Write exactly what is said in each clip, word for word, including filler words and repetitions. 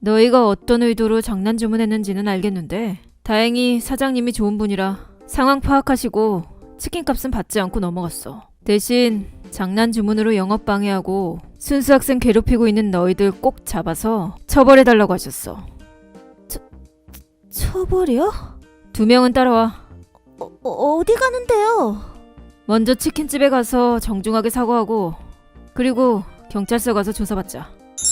너희가 어떤 의도로 장난 주문했는지는 알겠는데 다행히 사장님이 좋은 분이라 상황 파악하시고 치킨값은 받지 않고 넘어갔어. 대신 장난 주문으로 영업 방해하고 순수 학생 괴롭히고 있는 너희들 꼭 잡아서 처벌해달라고 하셨어. 처, 처벌이요? 두 명은 따라와. 어, 어디 가는데요? 먼저 치킨집에 가서 정중하게 사과하고 그리고 경찰서 가서 조사받자.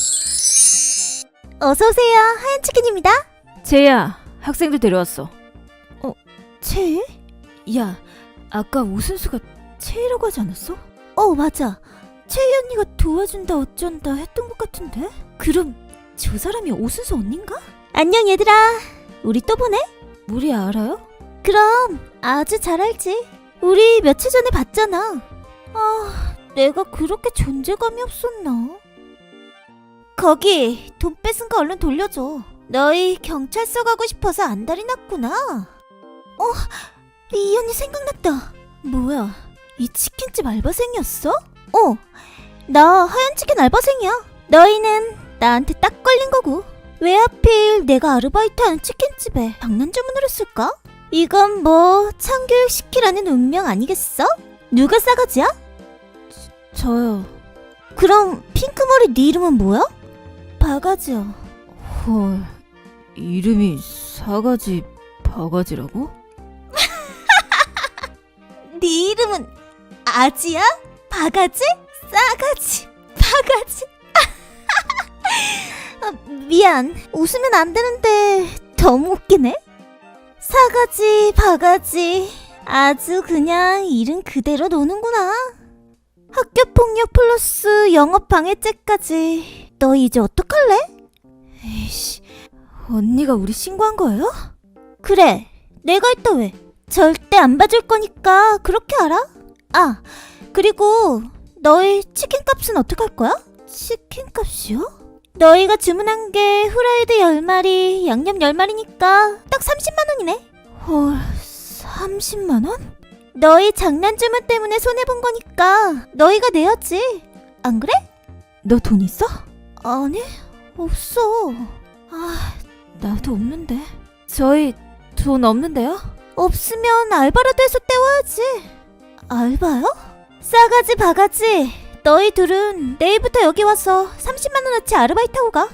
어서오세요. 하얀치킨입니다. 채야, 학생들 데려왔어. 채? 야, 아까 오순수가 채이라고 하지 않았어? 어, 맞아. 채이 언니가 도와준다 어쩐다 했던 것 같은데? 그럼 저 사람이 오순수 언니인가? 안녕 얘들아. 우리 또 보네? 우리 알아요? 그럼 아주 잘 알지. 우리 며칠 전에 봤잖아. 아, 내가 그렇게 존재감이 없었나? 거기 돈 뺏은 거 얼른 돌려줘. 너희 경찰서 가고 싶어서 안달이 났구나. 어? 이 언니 생각났다. 뭐야, 이 치킨집 알바생이었어? 어, 나 하얀 치킨 알바생이야. 너희는 나한테 딱 걸린 거고. 왜 하필 내가 아르바이트하는 치킨집에 장난 주문을 했을까? 이건 뭐 참교육 시키라는 운명 아니겠어? 누가 싸가지야? 저, 저요. 그럼 핑크머리 네 이름은 뭐야? 바가지요. 헐, 이름이 사가지 바가지라고? 네 이름은 아지야? 바가지? 싸가지? 바가지? 아, 미안. 웃으면 안 되는데 너무 웃기네. 사가지, 바가지. 아주 그냥 이름 그대로 노는구나. 학교폭력 플러스 영업방해죄까지. 너 이제 어떡할래? 에이씨, 언니가 우리 신고한 거예요? 그래, 내가 했다 왜. 절대 안 봐줄 거니까 그렇게 알아? 아, 그리고 너희 치킨값은 어떡할 거야? 치킨값이요? 너희가 주문한 게 후라이드 열 마리, 양념 열 마리니까 딱 삼십만 원이네. 헐, 삼십만 원? 너희 장난 주문 때문에 손해본 거니까 너희가 내야지. 안 그래? 너 돈 있어? 아니, 없어. 아, 나도 없는데. 저희 돈 없는데요? 없으면 알바라도 해서 때워야지. 알바요? 싸가지 바가지. 너희 둘은 내일부터 여기 와서 삼십만 원어치 아르바이트하고 가.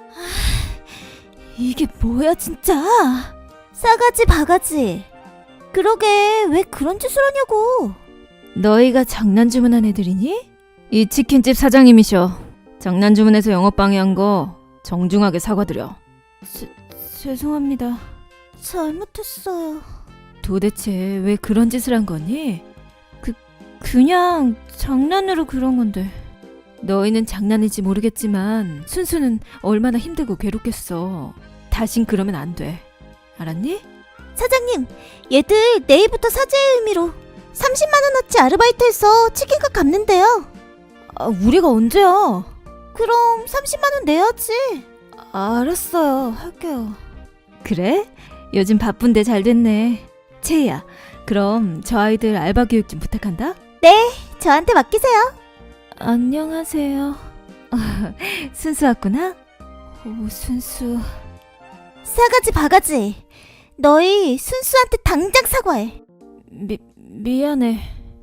이게 뭐야 진짜. 싸가지 바가지. 그러게 왜 그런 짓을 하냐고. 너희가 장난 주문한 애들이니? 이 치킨집 사장님이셔. 장난 주문해서 영업 방해한 거 정중하게 사과드려. 제, 죄송합니다. 잘못했어요. 도대체 왜 그런 짓을 한 거니? 그, 그냥 장난으로 그런 건데. 너희는 장난인지 모르겠지만 순수는 얼마나 힘들고 괴롭겠어. 다신 그러면 안 돼. 알았니? 사장님, 얘들 내일부터 사죄의 의미로 삼십만 원어치 아르바이트해서 치킨값 갚는데요. 아, 우리가 언제야? 그럼 삼십만 원 내야지. 알았어요. 할게요. 그래? 요즘 바쁜데 잘 됐네. 채희야, 그럼 저 아이들 알바 교육 좀 부탁한다. 네, 저한테 맡기세요. 안녕하세요. 순수 왔구나? 오, 순수. 싸가지 바가지. 너희 순수한테 당장 사과해. 미, 미안해.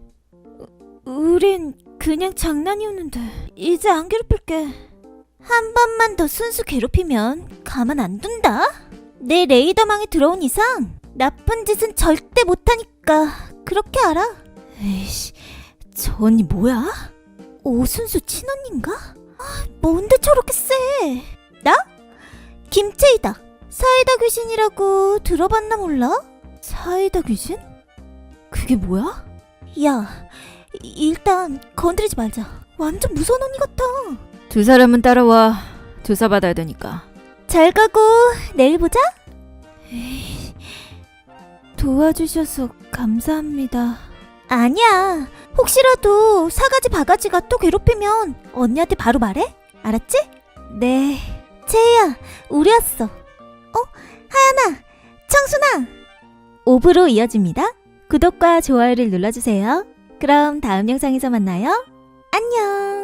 우린 그냥 장난이었는데. 이제 안 괴롭힐게. 한 번만 더 순수 괴롭히면 가만 안 둔다. 내 레이더망에 들어온 이상 나쁜 짓은 절대 못하니까 그렇게 알아. 에이씨, 저 언니 뭐야? 오순수 친언니인가? 아, 뭔데 저렇게 세? 나? 김채이다. 사이다 귀신이라고 들어봤나 몰라? 사이다 귀신? 그게 뭐야? 야, 일단 건드리지 말자. 완전 무서운 언니 같아. 두 사람은 따라와. 조사받아야 되니까. 잘 가고 내일 보자. 에이, 도와주셔서 감사합니다. 아니야. 혹시라도 사가지 바가지가 또 괴롭히면 언니한테 바로 말해. 알았지? 네. 채희야, 우리 왔어. 어? 하연아, 청순아. 오 부로 이어집니다. 구독과 좋아요를 눌러주세요. 그럼 다음 영상에서 만나요. 안녕.